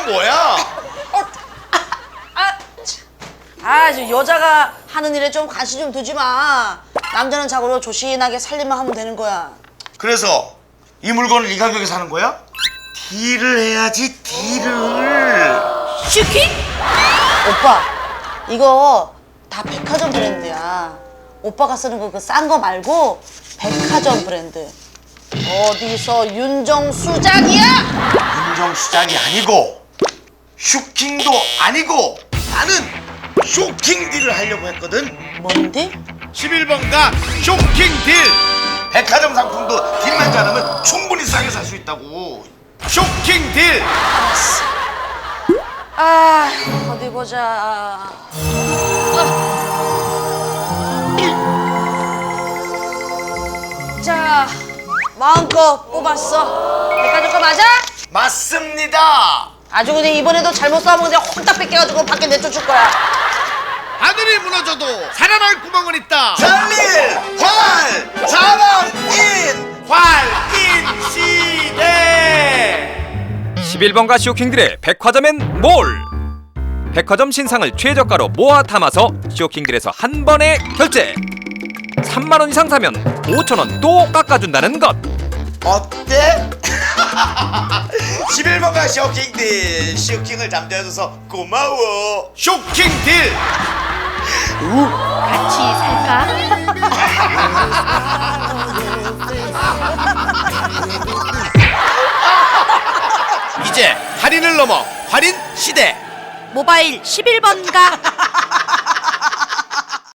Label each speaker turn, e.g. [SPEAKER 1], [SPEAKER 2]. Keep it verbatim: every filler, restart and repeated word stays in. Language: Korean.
[SPEAKER 1] 뭐야?
[SPEAKER 2] 아, 저 여자가 하는 일에 좀 관심 좀 두지 마. 남자는 자고로 조신하게 살림만 하면 되는 거야.
[SPEAKER 1] 그래서 이 물건을 이 가격에 사는 거야? 딜을 해야지, 딜을.
[SPEAKER 2] 슈킹? 오빠, 이거 다 백화점 브랜드야. 오빠가 쓰는 거 그 싼 거 말고 백화점 브랜드. 어디서 윤정수작이야?
[SPEAKER 1] 윤정수작이 아니고 슈킹도 아니고 나는 쇼킹 딜을 하려고 했거든.
[SPEAKER 2] 뭔데?
[SPEAKER 3] 십일 번가 쇼킹 딜.
[SPEAKER 1] 백화점 상품도 딜만 잘하면 충분히 싸게 살 수 있다고.
[SPEAKER 3] 쇼킹 딜.
[SPEAKER 2] 아, 어디 보자. 아. 자, 마음껏 뽑았어. 백화점 거 맞아?
[SPEAKER 1] 맞습니다.
[SPEAKER 2] 아주 그냥 이번에도 잘못 싸우면 그냥 홀딱 뺏겨가지고 밖에 내쫓을 거야.
[SPEAKER 3] 하늘이 무너져도 살아날 구멍은 있다.
[SPEAKER 1] 잘릴 활 자랑인
[SPEAKER 3] 활인 시대.
[SPEAKER 4] 십일 번가 쇼킹들의 백화점엔 뭘? 백화점 신상을 최저가로 모아 담아서 쇼킹들에서 한 번에 결제. 삼만 원 이상 사면 오천 원 또 깎아준다는 것.
[SPEAKER 1] 어때? 십일 번가 쇼킹 딜. 쇼킹을 잠재워줘서 고마워.
[SPEAKER 3] 쇼킹 딜.
[SPEAKER 5] 같이 살까?
[SPEAKER 3] 이제 할인을 넘어 할인 시대.
[SPEAKER 5] 모바일 십일 번가